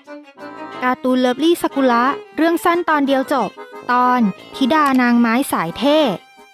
การ์ตูนเลิฟลี่ซากุระเรื่องสั้นตอนเดียวจบตอนธิดานางไม้สายเท่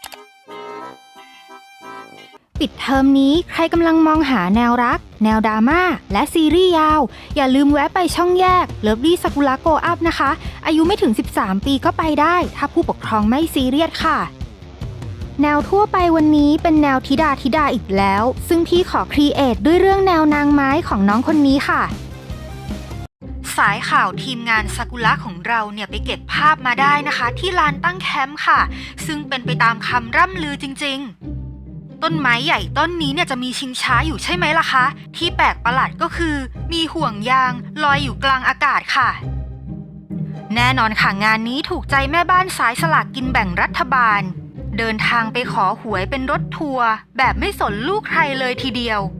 ปิดเทอมนี้ใครกำลังมองหาแนวรักแนวดราม่าและซีรีส์ยาวอย่าลืมแวะไปช่องแยกเลิฟลี่ซากุระโกอัพนะคะอายุไม่ถึง13ปีก็ไปได้ถ้าผู้ปกครองไม่ซีเรียสค่ะแนวทั่วไปวันนี้เป็นแนวธิดาอีกแล้วซึ่งพี่ขอครีเอทด้วยเรื่องแนวนางไม้ของน้องคนนี้ค่ะสายข่าวทีมงานซากุระของเราเนี่ยไปเก็บภาพมาได้นะคะที่ลานตั้งแคมป์ค่ะซึ่งเป็นไปตามคำร่ำลือจริงๆต้นไม้ใหญ่ต้นนี้เนี่ยจะมีชิงช้าอยู่ใช่ไหมล่ะคะที่แปลกประหลาดก็คือมีห่วงยางลอยอยู่กลางอากาศค่ะแน่นอนค่ะงานนี้ถูกใจแม่บ้านสายสลากกินแบ่งรัฐบาลเดินทางไปขอหวยเป็นรถทัวร์แบบไม่สนลูกใครเลยทีเดียว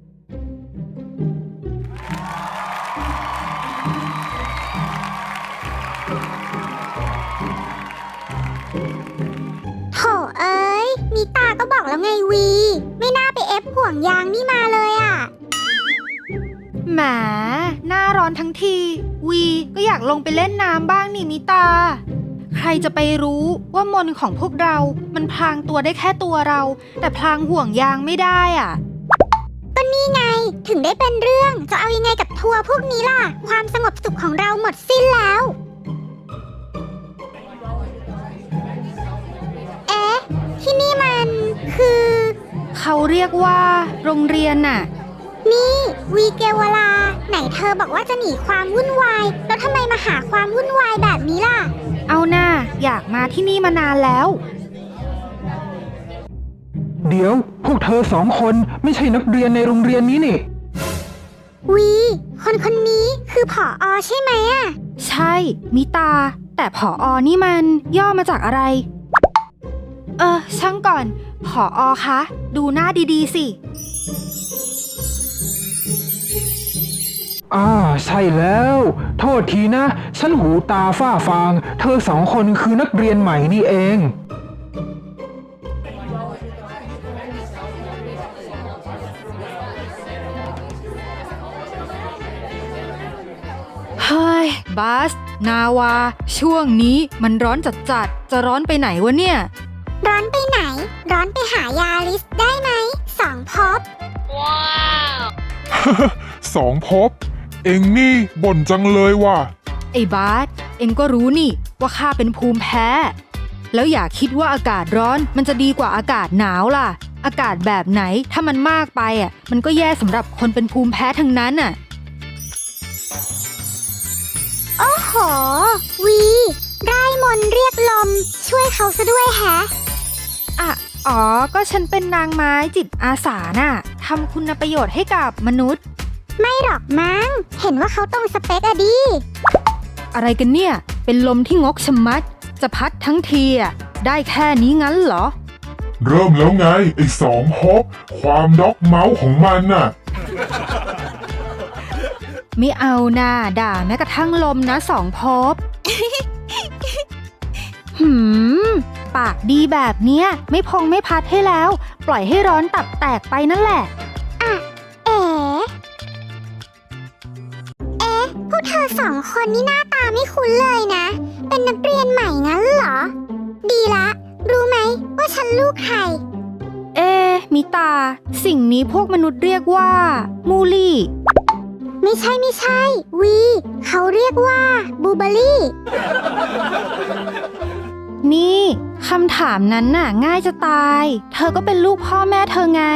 โถเอ้ยมีตาก็บอกแล้วไงวีไม่น่าไปเอฟห่วงยางนี่มาเลยอ่ะแหมหน้าร้อนทั้งทีวีก็อยากลงไปเล่นน้ำบ้างนี่มิตาใครจะไปรู้ว่ามนต์ของพวกเรามันพลางตัวได้แค่ตัวเราแต่พลางห่วงยางไม่ได้อ่ะก็นี่ไงถึงได้เป็นเรื่องจะเอายังไงกับทัวร์พวกนี้ล่ะความสงบสุขของเราหมดสิ้นแล้วเอ๊ะที่นี่มันคือเขาเรียกว่าโรงเรียนน่ะนี่วีเกวลาไหนเธอบอกว่าจะหนีความวุ่นวายแล้วทำไมมาหาความวุ่นวายแบบนี้ล่ะเอาหน้าอยากมาที่นี่มานานแล้วเดี๋ยวพวกเธอสองคนไม่ใช่นักเรียนในโรงเรียนนี้นี่วีคนนี้คือผอ.ใช่ไหมอ่ะใช่มิตาแต่ผอ.นี่มันย่อมาจากอะไรช่างก่อนผอ.คะดูหน้าดีๆสิใช่แล้วโทษทีนะฉันหูตาฝ้าฟางเธอสองคนคือนักเรียนใหม่นี่เองเฮ้ยบาสนาวาช่วงนี้มันร้อนจัดจะร้อนไปไหนวะเนี่ยร้อนไปไหนร้อนไปหายาลิสได้ไหม2 ภพว้าว 2 ภพเอ็งนี่บ่นจังเลยว่ะไอ้บาสเอ็งก็รู้นี่ว่าข้าเป็นภูมิแพ้แล้วอย่าคิดว่าอากาศร้อนมันจะดีกว่าอากาศหนาวล่ะอากาศแบบไหนถ้ามันมากไปมันก็แย่สำหรับคนเป็นภูมิแพ้ทั้งนั้นโอ้โหวีได้มนต์เรียกลมช่วยเขาซะด้วยแฮะก็ฉันเป็นนางไม้จิตอาสาน่ะทำคุณประโยชน์ให้กับมนุษย์ไม่หรอกมั้งเห็นว่าเขาตรงสเปคอะดิอะไรกันเนี่ยเป็นลมที่งกชะมัดจะพัดทั้งทีได้แค่นี้งั้นเหรอเริ่มแล้วไงไอ้2 ภพความด็อกเมาส์ของมันน่ะไม่เอาน่าด่าแม้กระทั่งลมนะ2 ภพ ปากดีแบบเนี้ยไม่พองไม่พัดให้แล้วปล่อยให้ร้อนตับแตกไปนั่นแหละพวกเธอ2 คนนี่หน้าตาไม่คุ้นเลยนะเป็นนักเรียนใหม่งั้นเหรอดีละรู้ไหมว่าฉันลูกใครมิตาสิ่งนี้พวกมนุษย์เรียกว่ามูลี่ไม่ใช่วีเขาเรียกว่าบูเบอรี่นี่คำถามนั้นน่ะง่ายจะตายเธอก็เป็นลูกพ่อแม่เธอไง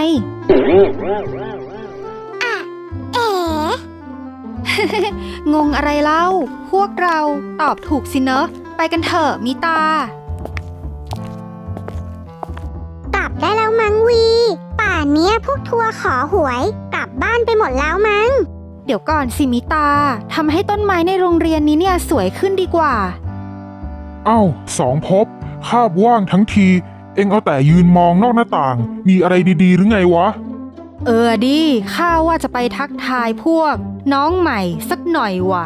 งงอะไรเล่าพวกเราตอบถูกสิเนอะไปกันเถอะมิตากลับได้แล้วมั้งวีป่านเนี้ยพวกทัวร์ขอหวยกลับบ้านไปหมดแล้วมั้งเดี๋ยวก่อนสิมิตาทำให้ต้นไม้ในโรงเรียนนี้เนี่ยสวยขึ้นดีกว่า 2 ภพคาบว่างทั้งทีเอ็งเอาแต่ยืนมองนอกหน้าต่างมีอะไรดีๆหรือไงวะดิข้าว่าจะไปทักทายพวกน้องใหม่สักหน่อยว่ะ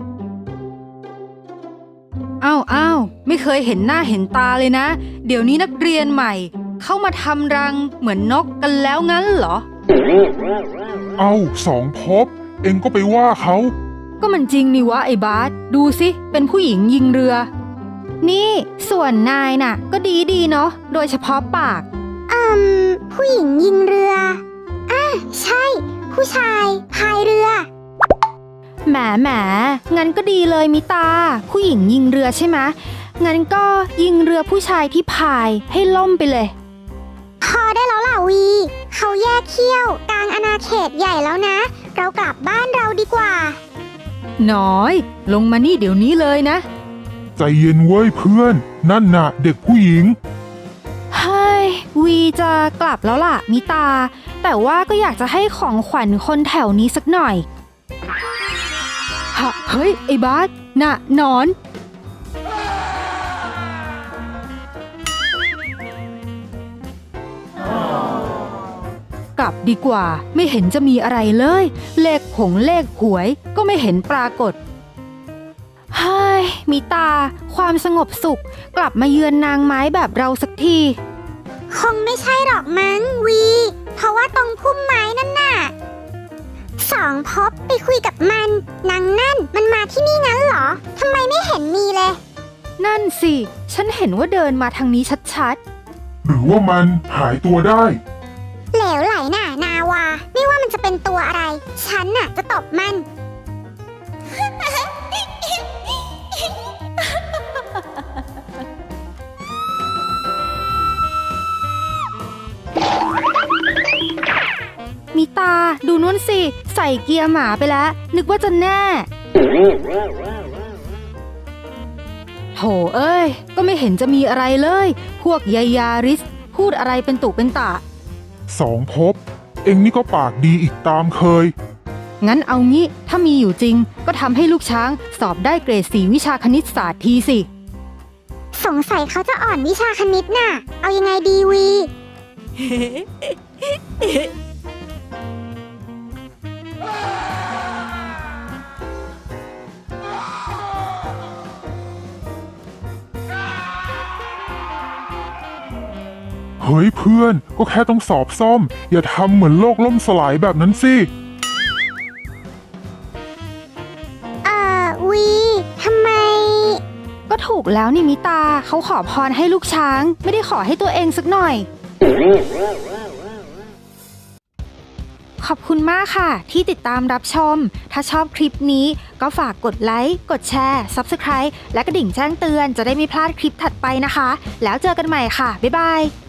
อ้าวไม่เคยเห็นหน้าเห็นตาเลยนะเดี๋ยวนี้นักเรียนใหม่เข้ามาทำรังเหมือนนกกันแล้วงั้นเหรอ 2 ภพเอ็งก็ไปว่าเขาก็มันจริงนี่วะไอ้บาสดูสิเป็นผู้หญิงยิงเรือ นี่ส่วนนายน่ะ ก็ดีเนาะโดยเฉพาะปากผู้หญิงยิงเรือใช่ ผู้ชายพายเรือแหมงั้นก็ดีเลยมิตา ผู้หญิงยิงเรือใช่ไหมงั้นก็ยิงเรือผู้ชายที่พายให้ล่มไปเลยพอได้แล้วล่ะวี เขาแยกเขี้ยวกลางอาณาเขตใหญ่แล้วนะ เรากลับบ้านเราดีกว่าน้อย ลงมานี่เดี๋ยวนี้เลยนะใจเย็นเว้ยเพื่อน นั่นน่ะเด็กผู้หญิงเฮ้ยวีจะกลับแล้วล่ะมิตา แต่ว่าก็อยากจะให้ของขวัญคนแถวนี้สักหน่อยเฮ้ยไอ้บาสน่ะหนอน กลับดีกว่าไม่เห็นจะมีอะไรเลย เลขเลขหวยก็ไม่เห็นปรากฏเฮ้ยมิตา ความสงบสุขกลับมาเยือนนางไม้แบบเราสักทีคงไม่ใช่หรอกมั้งวี เพราะว่าตรงพุ่มไม้นั่นน่ะสองพบไปคุยกับมันนางนั่นมันมาที่นี่งั้นเหรอทำไมไม่เห็นมีเลยนั่นสิฉันเห็นว่าเดินมาทางนี้ชัดหรือว่ามันหายตัวได้เหลวไหลน่ะนาวาไม่ว่ามันจะเป็นตัวอะไร ฉันน่ะจะตบมันๆมิตาดูนู่นสิใส่เกียร์หมาไปแล้ว นึกว่าจะแน่โถเอ้ยก็ไม่เห็นจะมีอะไรเลย พวกยายาริสพูดอะไรเป็นตุเป็นตะสองภพเอ็งนี่ก็ปากดีอีกตามเคยงั้นเอางี้ถ้ามีอยู่จริงก็ทำให้ลูกช้างสอบได้เกรด 4 วิชาคณิตศาสตร์ทีสิสงสัยเขาจะอ่อนวิชาคณิตน่ะ เอายังไงดีวีเฮ้ยเพื่อนก็แค่ต้องสอบซ่อม อย่าทำเหมือนโลกล่มสลายแบบนั้นสิวีทำไมก็ถูกแล้วนี่มิตาเขาขอพรให้ลูกช้างไม่ได้ขอให้ตัวเองสักหน่อย ขอบคุณมากค่ะที่ติดตามรับชม ถ้าชอบคลิปนี้ก็ฝากกดไลค์ กดแชร์ Subscribe และกระดิ่งแจ้งเตือนจะได้ไม่พลาดคลิปถัดไปนะคะ แล้วเจอกันใหม่ค่ะ บ๊ายบาย